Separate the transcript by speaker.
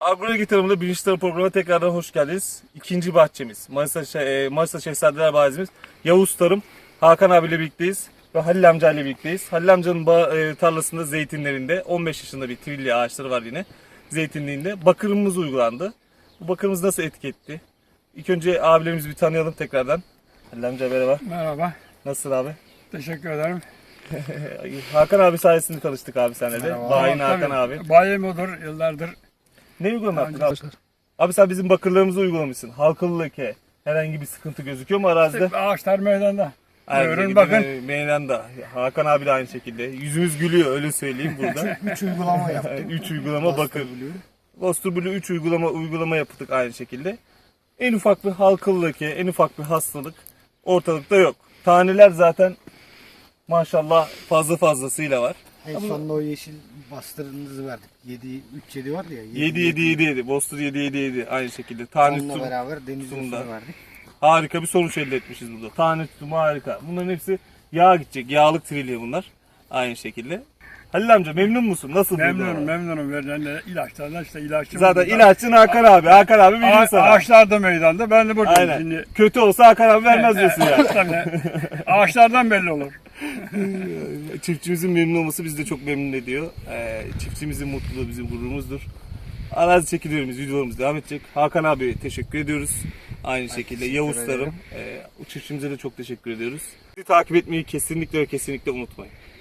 Speaker 1: Agronomi tarımında birinci tarım programına tekrardan hoş geldiniz. İkinci bahçemiz, Manisa Şehzadeler Bahçemiz, Yavuz Tarım, Hakan abiyle birlikteyiz ve Halil amca ile birlikteyiz. Halil amcanın tarlasında zeytinlerinde 15 yaşında bir trilli ağaçları var yine. Zeytinliğinde bakırımız uygulandı. Bu bakırımız nasıl etki etti? İlk önce abilerimizi bir tanıyalım tekrardan. Halil amca merhaba.
Speaker 2: Merhaba.
Speaker 1: Nasılsın abi?
Speaker 2: Teşekkür ederim.
Speaker 1: Hakan abi sayesinde tanıştık abi senle de.
Speaker 2: Merhaba.
Speaker 1: Bayin
Speaker 2: Tabii,
Speaker 1: Hakan abi.
Speaker 2: Bayim odur yıllardır.
Speaker 1: Ne uygulama yaptın
Speaker 2: Daha
Speaker 1: abi? Abi sen bizim bakırlarımızı uygulamışsın. Halkalı leke. Herhangi bir sıkıntı gözüküyor mu arazide?
Speaker 2: Ağaçlar meydanda.
Speaker 1: Aynı
Speaker 2: Buyurun
Speaker 1: şekilde
Speaker 2: bakın.
Speaker 1: Meydanda. Hakan abi de aynı şekilde. Yüzümüz gülüyor öyle söyleyeyim burada.
Speaker 3: 3 uygulama yaptım.
Speaker 1: 3 uygulama bakır. Bostur Blue 3 uygulama yaptık aynı şekilde. En ufak bir halkalı leke, en ufak bir hastalık ortalıkta yok. Taneler zaten maşallah fazlasıyla var.
Speaker 3: En sonunda o yeşil bastırınızı verdik. 3-7 vardı ya.
Speaker 1: 7 Bostur 7 aynı şekilde. Tane
Speaker 3: Onunla
Speaker 1: tutum
Speaker 3: beraber deniz
Speaker 1: tutumunda.
Speaker 3: usulü verdik.
Speaker 1: Harika bir sonuç elde etmişiz burada. Tane tutumu harika. Bunların hepsi yağ gidecek. Yağlık trilye bunlar. Aynı şekilde. Halil amca memnun musun? Nasıl
Speaker 2: Memnunum,
Speaker 1: burada?
Speaker 2: memnunum verilen ilaçlardan işte ilaççı.
Speaker 1: Zaten ilaççın Hakan abi. Hakan abi bilir sana.
Speaker 2: Ağaçlar da meydanda. Ben de buradayım
Speaker 1: Aynen.
Speaker 2: şimdi.
Speaker 1: Kötü olsa Hakan abi vermez diyorsun ya.
Speaker 2: Tabii. Ağaçlardan belli olur.
Speaker 1: Çiftçimizin memnun olması bizi de çok memnun ediyor. Çiftçimizin mutluluğu bizim gururumuzdur. Arazi çekiliyoruz, videolarımız devam edecek. Hakan abi teşekkür ediyoruz. Aynı şekilde
Speaker 3: teşekkür
Speaker 1: Yavuz
Speaker 3: ederim.
Speaker 1: Tarım. Çiftçimize de çok teşekkür ediyoruz. Bizi takip etmeyi kesinlikle ve kesinlikle unutmayın.